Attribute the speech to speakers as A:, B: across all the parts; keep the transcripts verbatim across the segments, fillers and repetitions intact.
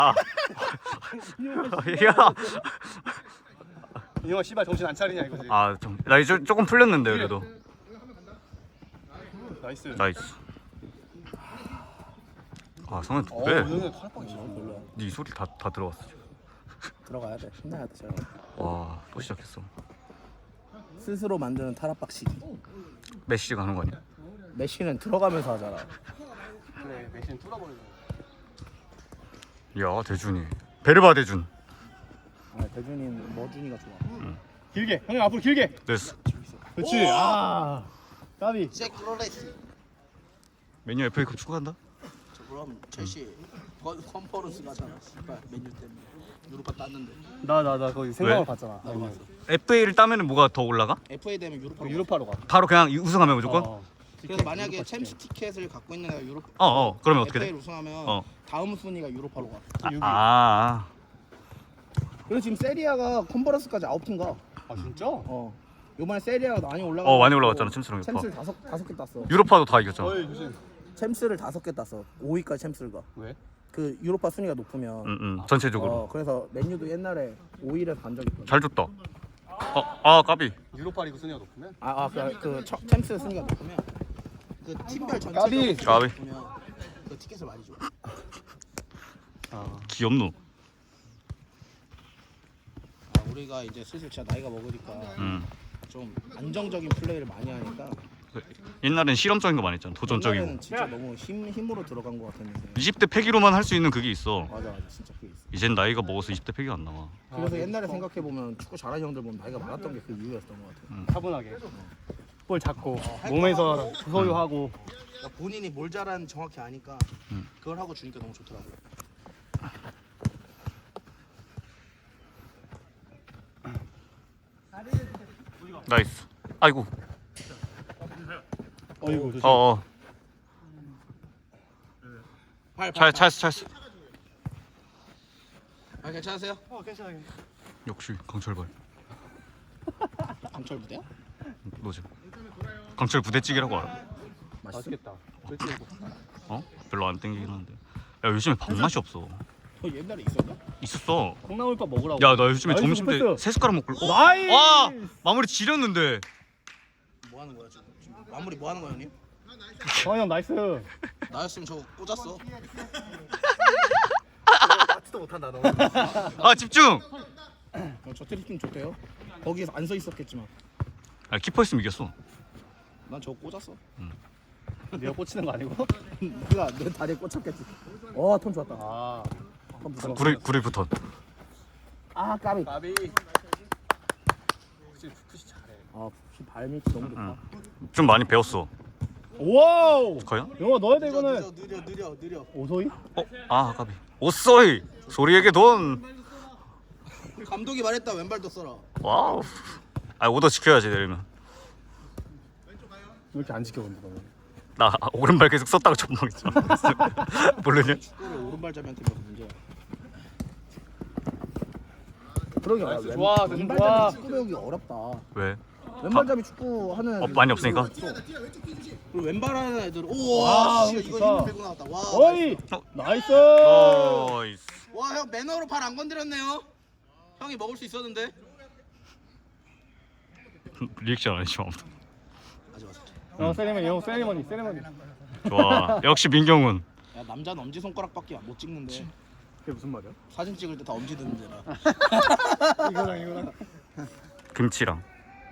A: 아. 야.
B: 이 형아 씨발 정신 안 차리냐 이거지.
A: 아, 좀, 나 이제 조금 풀렸는데 그래도.
B: 나이스.
A: 나이스. 아, 성현
B: 어,
A: 왜?
B: 오늘 탈빵이 싫어. 별로야.
A: 네 소리 다 다 들어갔어.
C: 들어가야 돼. 신나야 돼. 제가.
A: 와, 또 시작했어.
C: 스스로 만드는 타락박치기.
A: 메시 가는 거 아니야?
C: 메시는 들어가면서 하잖아.
B: 그래, 메시는 뚫어버리네.
A: 야, 대준이. 베르바 대준.
C: 아, 대준이는 머준이가 좋아.
B: 길게. 형님 앞으로 길게.
A: 됐어.
B: 그렇지. 아. 까비.
D: 잭로레스.
A: 메뉴 에프에이컵 축구한다?
D: 저 그럼 첼시 컨퍼런스 가잖아. 씨발 메뉴 때문에 유로파 땄는데.
B: 나 나 나 거기 생각을
A: 왜?
B: 봤잖아.
D: 나도 봤어.
A: 에프에이를 따면은 뭐가 더 올라가?
D: 에프에이 되면 유로파.
B: 유로파로 가.
A: 바로 그냥 우승하면 무조건?
B: 어.
D: 그래서 만약에 챔스 티켓을 갖고 있는 애가 유로파.
A: 어, 어. 그러면 어떻게 돼?
D: 에프에이를 우승하면
A: 어.
D: 다음 순위가 유로파로 가.
A: 아, 아.
C: 그리고 지금 세리아가 컨퍼런스까지 아홉 팀 가.
B: 아 진짜?
C: 어. 이번에 세리아가 많이 올라가.
A: 어, 많이 올라갔잖아, 챔스랑 유로파.
C: 챔스를 다섯 다섯 개 땄어.
A: 유로파도 다 이겼잖아.
B: 어이 조심.
C: 챔스를 다섯 개 땄어. 오 위까지 챔스를 가.
B: 왜?
C: 그 유로파 순위가 높으면.
A: 응, 응. 전체적으로.
C: 어, 그래서 맨유도 옛날에 오 위를 간 적이 있거든.
A: 잘 줬다. 어, 아, 까비.
B: 유로파 리그 순위가 높으면?
C: 아, 아, 그, 그 첫- 챔스 순위가 높으면.
D: 그 팀별
B: 까비!
D: 전체적으로
A: 까비.
D: 보면 그 티켓을 많이 줘.
B: 아.
A: 귀엽노.
D: 아, 우리가 이제 슬슬 진짜 나이가 먹으니까
A: 음.
D: 좀 안정적인 플레이를 많이 하니까.
A: 옛날엔 실험적인 거 많이 했잖아. 도전적이고.
C: 옛날에는 진짜 너무 힘 힘으로 들어간 것 같았는데.
A: 이십 대 패기로만 할 수 있는 그게 있어.
C: 맞아, 맞아, 진짜 그게 있어.
A: 이젠 나이가 먹어서 이십 대 패기가 안 나와.
C: 그래서 옛날에 생각해 보면 축구 잘하는 형들 보면 나이가 많았던 게 그 이유였던 것 같아.
B: 차분하게. 볼 잡고 몸에서 소유하고.
D: 그러니까 본인이 뭘 잘하는지 정확히 아니까
A: 음.
D: 그걸 하고 주니까 너무 좋더라고요.
A: 나이스. 아이고.
B: 어이구 조심.
A: 어, 어.
D: 팔,
A: 차, 차였어, 차였어.
D: 아 괜찮으세요?
B: 어 괜찮아. 괜찮아.
A: 역시 강철발.
D: 강철 부대야?
A: 너지. 강철 부대찌개라고 알아?
B: 맛있겠다. 그렇지.
A: 어? 별로 안 땡기긴 하는데. 야, 요즘에 밥맛이 없어.
D: 어 옛날에 있었나?
A: 있었어.
B: 콩나물밥 먹으라고.
A: 야, 나 요즘에
B: 나이스
A: 점심 때
B: 패스.
A: 세 숟가락 먹고. 어?
B: 나이스.
A: 와! 마무리 지렸는데.
D: 뭐 하는 거야 지금? 지금 마무리 뭐 하는 거야 형님?
B: 성현 나이스.
D: 나였으면 저거 꽂았어.
C: 맞지도 못한다 너.
A: 아, 집중.
C: 어, 저 트리킹 좋대요. 거기에서 안 서 있었겠지만
A: 아, 키퍼 있으면 이겼어.
D: 난 저거 꽂았어.
B: 네가 꽂히는 거 아니고?
C: 네가 내 다리에 꽂혔겠지. 어, 톤 좋았다.
B: 아.
C: 톤 무서워.
A: 구리 구리 붙어.
C: 아, 까비.
B: 까비. 혹시 푸시 잘해.
C: 아, 혹시 발밑이 너무 좋다.
A: 응. 좀 많이 배웠어.
B: 와우.
A: 과연?
B: 영화 넣어야 돼
D: 느려
B: 이거는.
D: 느려 느려 느려.
B: 오소이?
A: 어? 아, 까비. 오쏘이. 소리에게 돈.
D: 감독이 말했다 왼발도 써라.
A: 와우. 아, 오더 지켜야지 내리면.
B: 왜 이렇게 안 지켜본다 너는?
A: 나 오른발 계속 썼다가 전망했잖아. 모르냐?
D: 축구를 오른발잡이한테 배워서 문제야.
C: 그러게
B: 나이스,
C: 왼-
B: 좋아, 대준
C: 왼발잡이
B: 좋아.
C: 축구 배우기 어렵다.
A: 왜?
C: 왼발잡이 축구 하는
A: 어, 많이 없으니까?
D: 그리고 왼발하는 애들
B: 와,
D: 우와 씨 이거
B: 좋다.
D: 힘 빼고 나왔다. 와.
B: 어이.
A: 어.
B: 나이스.
A: 나이스.
D: 와 형 매너로 발 안 건드렸네요. 형이 먹을 수 있었는데.
A: 리액션 안 해줘 아무도.
D: 맞아 맞아.
B: 어 세리머니 형 세리머니 세리머니.
A: 좋아. 역시 민경훈.
D: 야 남자는 엄지 손가락밖에 못 찍는데
B: 그게 무슨 말이야?
D: 사진 찍을 때 다 엄지 드는 데라.
B: 이거랑 이거랑.
A: 김치랑.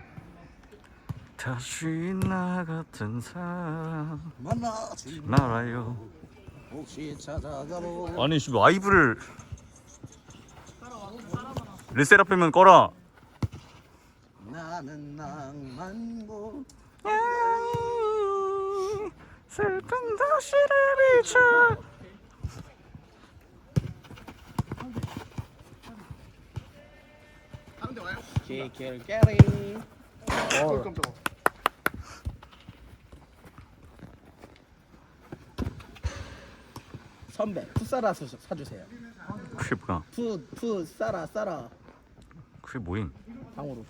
A: 다시 나 같은 사람
D: 만나지
A: 말아요.
D: 혹시 찾아가보.
A: 아니 씨 라이브를 르세라핌은 꺼라.
D: 나는 낭만고.
A: 슬픈 도시를 비춰.
D: 키킬캐리.
C: 어, 선배, 푸사라 사- 사주세요.
A: 그게 뭐야?
C: 푸, 푸, 싸라, 싸라.
A: 그게 뭐임?
C: 방으로.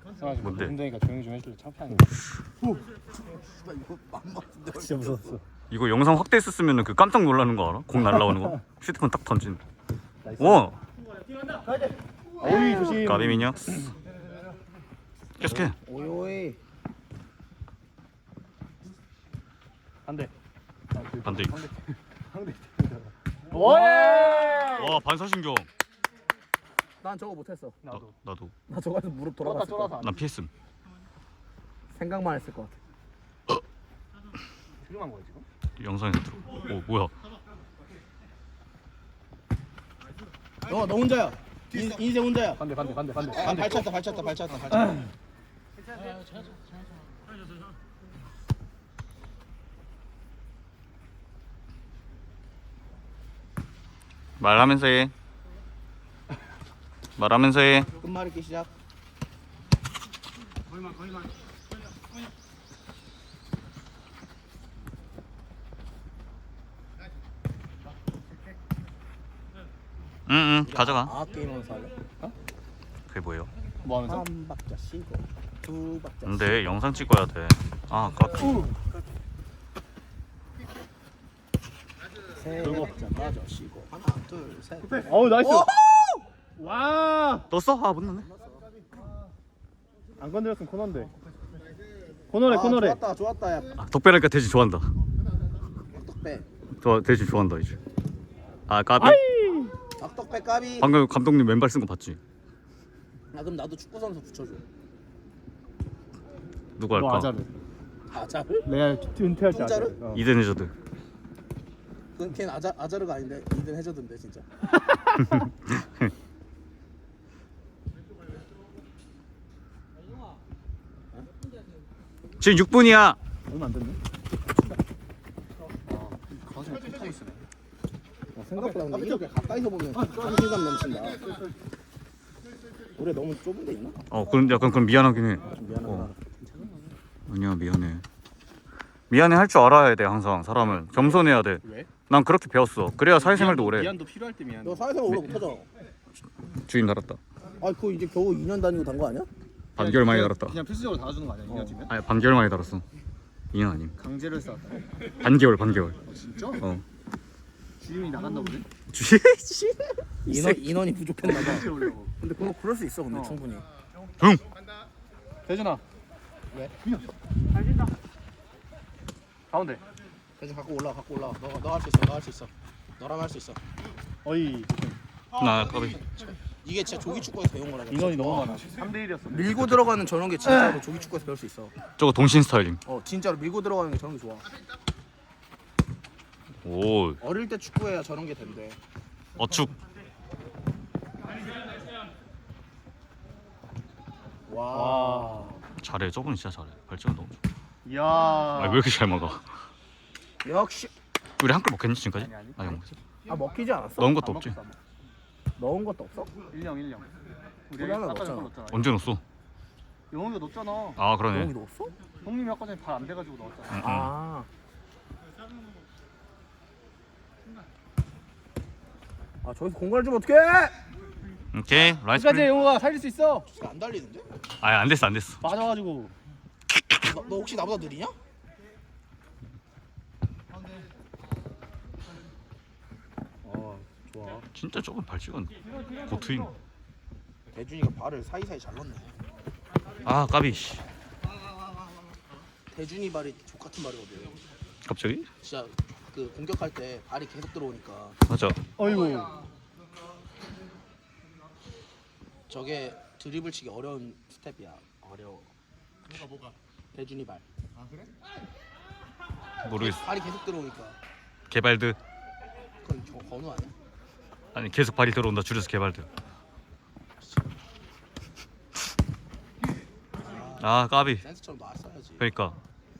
A: 뭔데?
B: 힘드니까 조용히 좀 해줄래? 창피하네.
D: 이거 맘 맞는데.
B: 진짜 무서웠어.
A: 이거 영상 확대했었으면 그 깜짝 놀라는 거 알아? 공 날라오는 거. 슈트폰 딱 던진. 와.
B: 어이 조심.
A: 까비 미녀. 계속해.
C: 오이
B: 안돼.
A: 반대.
B: 오예.
A: 와 반사신경.
C: 난 저거 못했어.
A: 나,
B: 나도.
A: 나도.
C: 나 저거 해서 무릎 돌아갔을
B: 쫄아서
C: 거야.
B: 안
A: 난 피했음.
C: 생각만 했을 것 같아.
B: 트림한 거야 지금?
A: 영상에서 들어. 오 뭐야?
D: 너, 너 혼자야. 인, 인생 혼자야.
B: 반대 반대 반대 반대.
D: 아, 발쳤다, 발쳤다, 발쳤다, 발쳤다.
A: 말하면서 해. 말하면서 해.
D: 끝말잇기 시작.
A: 응응 가져가.
C: 아 게임하면서 할래?
A: 그게 뭐예요?
B: 뭐 하면서?
C: 한 박자 쉬고 두 박자.
A: 근데 영상 찍어야 돼. 아 까비.
C: 세 박자 빠져 쉬고 하나 둘 셋.
B: 어우 나이스. 와.
A: 떴어? 아 못 넣네.
B: 안 건드렸으면 코너인데. 코너래
D: 아,
B: 코너래.
D: 좋았다, 좋았다, 야.
A: 아, 덕배라니까 대신 좋아한다.
D: 악덕배.
A: 저 대신 좋아한다 이제. 아 까비.
D: 악덕배 까비.
A: 방금 감독님 왼발 쓴 거 봤지?
D: 아, 그럼 나도 축구 선수 붙여줘.
A: 누구
B: 너
A: 할까?
B: 아자르.
D: 아자르?
B: 내가 은퇴할 때
D: 혼자를?
B: 아자르. 어.
A: 이든 해저드.
D: 그건 걘 아자 아자르가 아닌데 이든 해저든데 진짜.
A: 지금 육 분이야.
B: 얼마 안 됐네.
D: 가슴이 툭하고 있으네.
C: 어, 생각보다 근데 이렇게 가까이서 보면 자신감 넘친다. 우리 너무 좁은 데 있나?
A: 어 그럼 약간 그럼 미안하긴 해.
C: 좀 미안하다.
A: 어. 아니야 미안해. 미안해 할 줄 알아야 돼 항상 사람은 겸손해야 돼.
B: 왜?
A: 난 그렇게 배웠어. 그래야 사회생활도 오래.
B: 미안도 필요할 때 미안.
C: 너 사회생활 오래 못하잖아.
A: 주인 달았다.
C: 아 그거 이제 겨우 이 년 다니고 단 거 아니야?
A: 반개월 만에 달았다.
B: 그냥 필수적으로 달아주는 거 아니야? 이 년 뒤면?
A: 아니 반개월 만에 달았어. 이 년 아님.
B: 강제로 했어.
A: 반개월 반개월.
B: 진짜?
A: 어.
B: 주임이 나갔나 보네.
A: 주인.
C: 인원 인원이 부족했나 봐.
B: 강제로 오려고.
C: 근데 그거 그럴 수 있어 근데
B: 어.
C: 충분히.
A: 응.
B: 대준아.
C: 왜?
B: 잘진다. 가운데.
D: 그래서 갖고 올라와, 갖고 올라와. 너가 너 할 수 있어, 너 할 수 있어. 너라면 할 수 있어.
B: 어이.
A: 나 까비.
D: 이게 진짜 조기 축구에서 배운 거라.
B: 인원이 너무 많아. 삼 대 일이었어.
C: 밀고 들어가는 저런 게 진짜로 조기 축구에서 배울 수 있어.
A: 저거 동신 스타일임.
C: 어 진짜로 밀고 들어가는 게 저런 게 좋아.
A: 오.
C: 어릴 때 축구해야 저런 게 된대.
A: 어축.
C: 와.
B: 와.
A: 잘해. 저분이 진짜 잘해. 발전 너무 좋아.
B: 이야.
A: 아, 왜 이렇게 잘 먹어?
C: 역시.
A: 우리 한 걸 먹겠니 지금까지?
B: 아니, 아니.
A: 아니 안 먹었어.
C: 아 먹히지 않았어?
A: 넣은 것도 없지.
C: 넣은 것도 없어?
B: 일령 일령. 우리
C: 우리 하나
B: 아까
C: 넣었잖아.
B: 전에 넣었잖아.
A: 언제 넣었어?
B: 영웅이가 넣었잖아.
A: 아
C: 넣은
A: 그러네.
C: 게 넣었어?
B: 형님이 아까 전에 발 안 돼가지고 넣었잖아.
A: 응, 응.
C: 아. 아 저기서 공간을 주면 어떡해?
A: 오케이 라이스
B: 끝까지
A: 플레이.
B: 영웅아 살릴 수 있어.
D: 지금 안 달리는데?
A: 아니 안 됐어 안 됐어.
B: 맞아가지고.
D: 너, 너 혹시 나보다 느리냐?
B: 어 좋아.
A: 진짜 조금 발 찍었네. 고트임.
D: 대준이가 발을 사이사이 잘 넣네.
A: 아 까비. 씨.
D: 대준이 발이 족 같은 발이거든.
A: 갑자기?
D: 진짜 그 공격할 때 발이 계속 들어오니까
A: 맞아.
B: 어이구.
D: 저게 드리블 치기 어려운 스텝이야. 어려워. 뭐가 뭐가? 대준이 발.
A: 모르겠어.
D: 발이 계속 들어오니까.
A: 개발드.
D: 그건 저 건우 아니야?
A: 아니 계속 발이 들어온다. 줄여서 개발드. 아 까비.
D: 센스처럼 나왔어야지.
A: 그러니까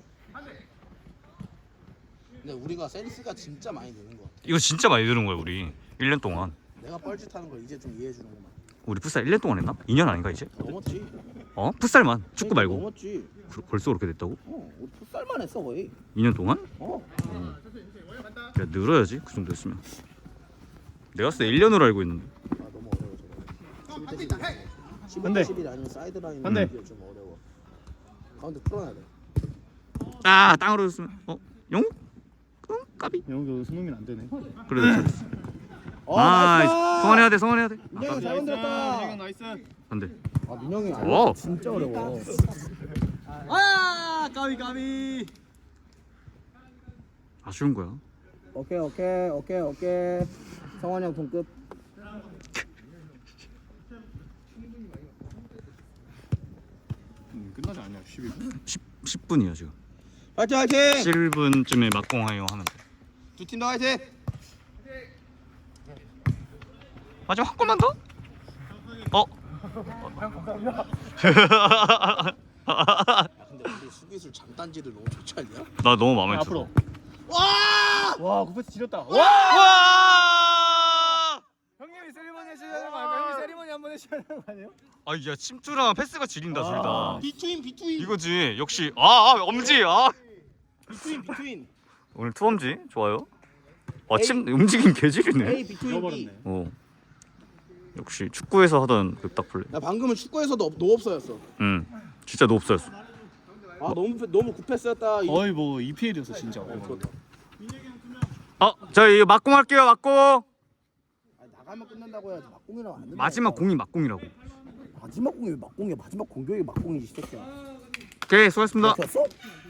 D: 근데 우리가 센스가 진짜 많이 느는 것 같아.
A: 이거 진짜 많이 드는 거야 우리. 일 년 동안.
D: 내가 뻘짓하는 걸 이제 좀 이해해 주는구만.
A: 우리 풋살 일 년 동안 했나? 이 년 아닌가 이제?
D: 넘었지.
A: 어? 풋살만. 축구 말고.
C: 넘었지.
A: 그- 벌써 그렇게 됐다고?
C: 어, 우리 풋살만 했어 거의.
A: 이 년 동안?
C: 어.
A: 야 늘어야지 그 정도 했으면. 내가 봤을 때 일 년으로 알고 있는데.
C: 아 너무 어려워 저거. 십일 대 십일.
B: 근데.
C: 십일 대 십일 아니면 사이드 라인
B: 근데.
C: 좀 어려워. 가운데 풀어놔야 돼.
A: 아 땅으로 줬으면 어? 영? 까비.
B: 영웅도 손흥민 안 되네.
A: 그래도 잘했어.
C: 어,
A: 아,
C: 나이스!
A: 성원해야 돼, 성원해야 돼.
C: 민영이 잘 만들었다.
B: 민영 나이스.
A: 안 돼.
C: 아 민영이
A: 오.
C: 아, 진짜 어려워.
B: 아 까비 까비.
A: 아쉬운 거야.
C: 오케이 오케이 오케이 오케이. 성환이 형 동급.
B: 음, 끝나지 않냐 십일 분?
A: 십 분이야 지금.
D: 화이팅 화이팅.
A: 칠 분쯤에 막공하여 하면 돼.
D: 두 팀 더 화이팅.
A: 마지막 한 골만 더? 어?
D: 야 근데 우리 수비술 장단지들 너무 좋지 않냐?
A: 나 너무 마음에 들어.
B: 앞으로.
D: 와!
B: 와 구패스 지렸다. 와.
A: 와!
B: 형님이 세리머니 해주셔야 되는 거 아니에요? 형님 세리머니 한번 해주셔야 되는 거 아니에요?
A: 아, 야 침투랑 패스가 지린다 둘 다.
D: 비트윈 비트윈.
A: 이거지. 역시 아, 아 엄지. 아.
D: 비트윈 비트윈.
A: 오늘 투엄지 좋아요. 와, 침 움직임 개질이네.
D: A 비트윈 B.
B: 잃어버렸네.
A: 어. 역시 축구에서 하던 그 딱 플레이.
D: 나 방금은 축구에서도 없- 노업서였어.
A: 응. 진짜 노업스였어.
D: 아 너무 패- 너무 굿패스였다. 이-
B: 거의 뭐 이피엘이었어 진짜.
D: 어, 그렇다.
A: 어, 저 이거 막공 할게요. 막공.
C: 아니, 나가면 끝난다고 해야지. 막공이라고 안 된다.
A: 마지막 공이 막공이라고.
C: 마지막 공이 왜 막공이야. 마지막 공격이 막공이지 이 새끼야.
A: 오케이, 수고하셨습니다.
C: 그렇게 했어?